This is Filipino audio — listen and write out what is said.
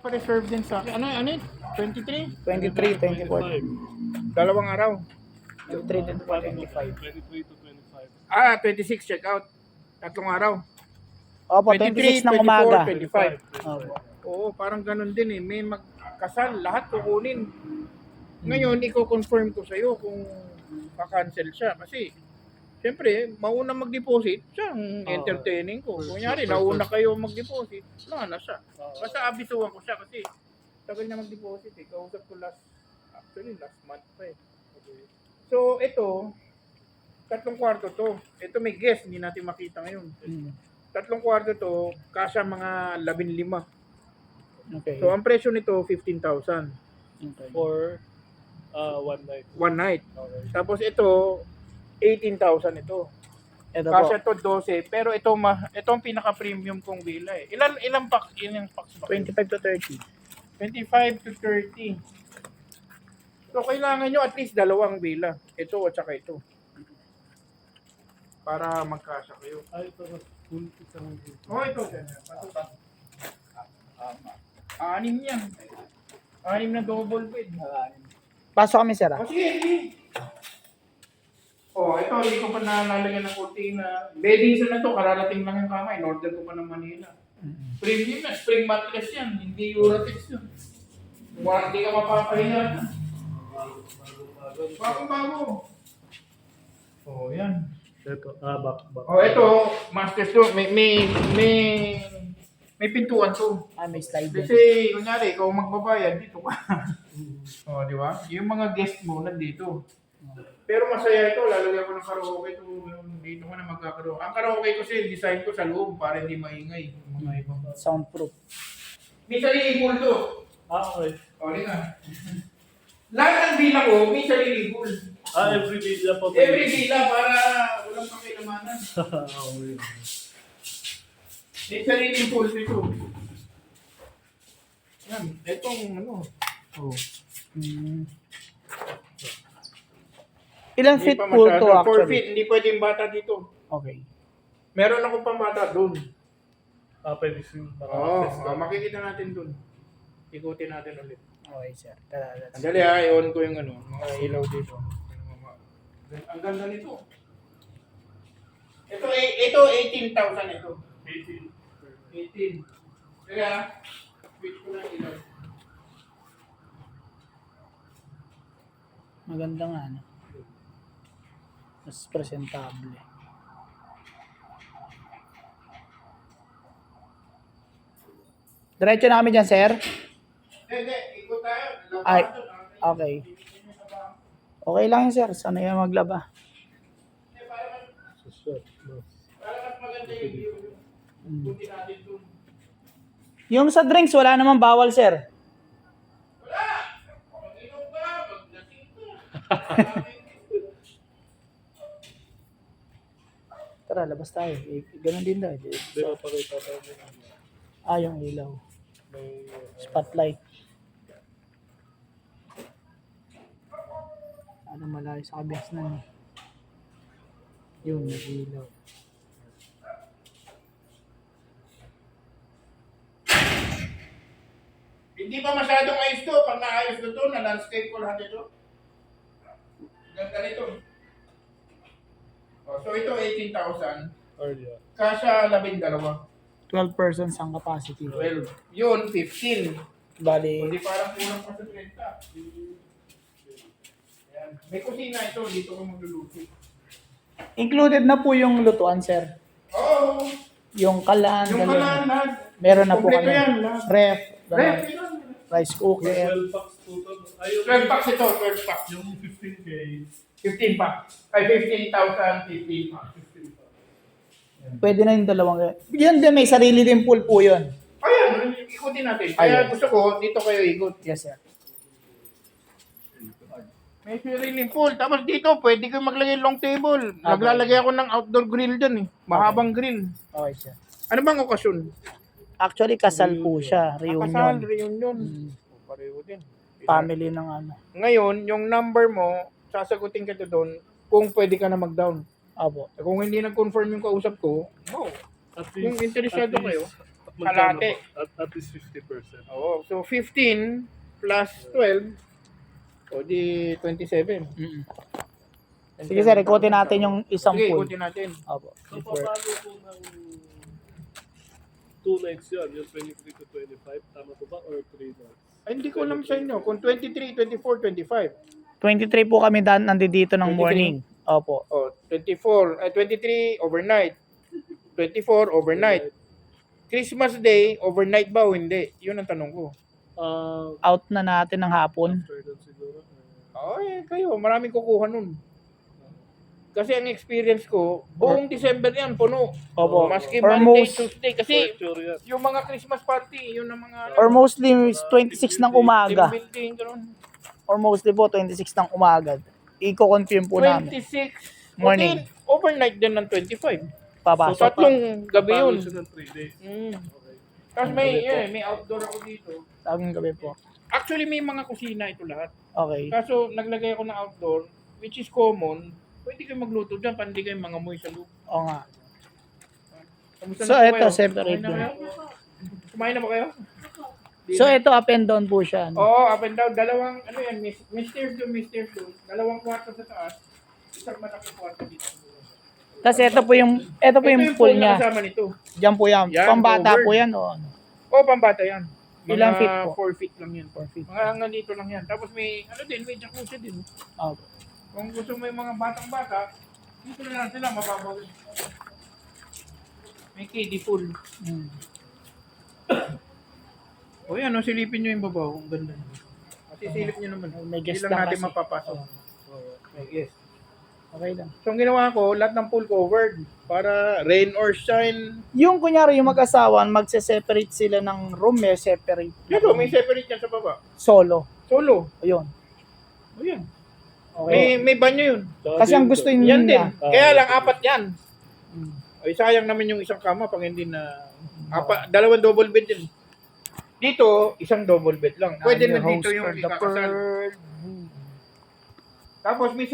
pa-reserve din sa akin. Ano yun? 23? 23, 24. Dalawang araw. 23, 24, 25. 23 to 25. 26 check out. Tatlong araw. Opo, 26 ng umaga. 25. Opo. Oo, parang ganun din eh. May magkasal, lahat kukunin. Ngayon, i-confirm ko sa'yo kung pa-cancel siya. Kasi, siyempre, mauna mag-deposit, siya ang entertaining ko. Kunyari, nauna kayo mag-deposit, wala na siya. Basta abisuhan ko siya kasi tagal na mag-deposit eh. Kausap ko last month pa eh. So, ito, 3 kwarto to. Ito may guest, hindi natin makita ngayon. 3 kwarto to, kasya mga 15. Okay. So, ang presyo nito, 15,000. Okay. For one night. One night. Okay. Tapos ito, 18,000 ito. Ito po. Kasya to 12, pero ito ang pinaka-premium kong villa eh. Ilang packs ba? 25 to 30. 25 to 30. So kailangan nyo at least 2 villa. Ito at saka ito. Para magkasya kayo. Ay, ito na full isang Oh, ito. Anim yan. 6 na double bed. Pasok kami, sir. O sige, sige. Oh, ito, hindi ko pa nalalagyan ng kurtina. Bedding na to, kararating lang yung kama. In-order ko pa ng Manila. Premium na, spring mattress yan. Hindi Eurotex yun. Hindi ka mapapahinga. Bago-bago. Oh, yan. Ito, back. Oh, ito, master to. May pintuan to. May slide din. Kasi, kunyari, ikaw magbabayad, dito ka. Oh, di ba? Yung mga guest mo, nandito. Pero masaya ito, lalagyan ko ng karaoke ito. Dito ka na magkakaroon. Ang karaoke ko kasi, design ko sa loob para hindi maingay. Mga ibang. Soundproof. May sariling pool to. Okay. O, di ka. Lahat ng villa ko, may sariling pool. Every villa po. Every villa para walang pakilamanan. Okay. May sariling pool dito. Yan, itong ano. Oh. Ilang Hindi feet pa pool masyado. to 4 actually? feet, hindi pwedeng bata dito. Okay. Meron akong pambata doon. Pwede siya Oo, maka-access ka. makikita natin doon. Ikutin natin ulit. Okay, sir. Tara, let's Andali ha, i-on ko yung ano, mga ilaw dito. Ang ganda nito. Ito 18,000 ito. 18. Kaya, switch ko na yung ilaw. Maganda nga, no? Mas presentable. Diretso na kami dyan, sir. Hindi, ikot tayo. Ay, okay. Okay lang yun, sir. Sana yan maglaba. Para mas maganda yung view. Ikutin natin doon. Yung sa drinks, wala naman bawal, sir. Wala! Mag-inom ka, mag-lasing ka. Tara, labas tayo. Ganun din daw. Hindi, mapakita tayo. Yung ilaw. May Spotlight. Ano malayo sa kabias na. Yun, nag-ilaw. Hindi pa masyadong ayos to. Pag naayos ko to, na-landscape ko lahat ito. Ganda nito. Oh, so ito 18,000. area. Kasya 12. 12 persons ang capacity. 12. Yun, 15. Bali, Hindi parang kulang pa sa 30. Ayan. May kusina ito. Dito ko magluluto. included na po yung lutuan, sir. Oo. Yung kalan, Yung ganun. kalan lahat. Meron na po Kompleto kami. yan, lahat. Ref, Ref, ganun. yun. Rice cooker. 12 packs total. Ayun. 12 packs ito. 12 packs. Yung 15K. 15 packs. Ay, 15,000, 15 packs. 15 packs. Pwede na yung dalawang. Yun din, may sarili din pool po yun. Ayan, ikutin natin. Kaya Ayan. gusto ko, dito kayo ikot. Yes, sir. May sariling pool. Tapos dito, pwede kayo maglagay long table. Naglalagay ako ng outdoor grill dyan eh. Mahabang grill. Okay, sir. Ano bang okasyon? Actually, kasal po siya. Kasal, Reunion. reunion. Mm. Pareho din. Family ng ano. Ngayon, yung number mo, sasagutin ka doon kung pwede ka na mag-down. Apo. Kung hindi nag-confirm yung kausap ko, no. At Kung least- interesado at kayo. least magkano kalate. po? At least 50%. Oo. So 15 plus 12, o di 27. Mm. Sige sir, ikutin natin yung isang Sige, pool. ikutin natin. Opo. So, paano po ng 2 nights yun? Yung 23 to 25, tama po ba? Or 3 nights? Ay, hindi ko alam sa inyo kung 23, 24, 25. 23 po kami nandito ng 23. morning. Opo. Oh, 23 overnight. 24 overnight. Christmas Day, overnight ba o hindi? Yun ang tanong ko. Out na natin ng hapon. After that siguro. Ay, kayo, maraming kukuha nun. Kasi ang experience ko, buong December yan, puno. Opo. Maski Or Monday, most- Tuesday. Kasi Sure yan. yung mga Christmas party, yun ang mga... Or mostly 26 ng umaga. team building, ganun. Or mostly po 26 ng umaga. Iko-confirm po namin. 26. Morning. Okay, overnight din ng 25. So, Papasok. tatlong gabi yun. Paano siya ng 3 days? Mm. Okay. Tapos may outdoor ako dito. Taging gabi po. Actually, may mga kusina ito lahat. Okay. Kaso, naglagay ako ng outdoor, which is common. Pwede kayo magluto dyan, pandi kayo mga moy sa loob. Oo nga. Kamusta So, na po ito, kayo? separate Kumain na din. kayo? Kumain na ba kayo? So, ito up and down po siya. No? Oo, up and down. Dalawang, ano yan, Mr. Doon. Dalawang kwarto sa taas. Isang malaking kwarto dito. Tapos ito po yung pool pool na niya. kasama nito. Diyan po yan. Yan, Pambata covered. po yan. O, ano? Oo, pambata yan. Ilang feet po? 4 feet lang yan. 4 feet. Mga hanggang dito lang yan. Tapos may, may jacuzzi din. Opo. Kung gusto mo yung mga batang-bata, dito na lang sila, mababaw yun. May kiddie pool. Mm. O yan, silipin nyo yung babaw. Ang ganda. Kasi silip nyo naman. May guest Hindi lang lang natin kasi. mapapasok. May guest. Okay lang. So, ang ginawa ko, lahat ng pool covered. Para rain or shine. Yung kunyari yung mag-asawa, magse-separate sila ng room, may separate. Dito, may separate yan sa baba. Solo. Solo. Ayun. O yan. Okay. May banyo yun. Kasi ang gusto Yan niya. din. Kaya lang, 4 yan. Mm. Ay, sayang namin yung isang kama pag hindi na... dalawang double bed din. Dito, isang double bed lang. Pwede I'm na your dito host yung for the ikakasal. Pearl. Tapos may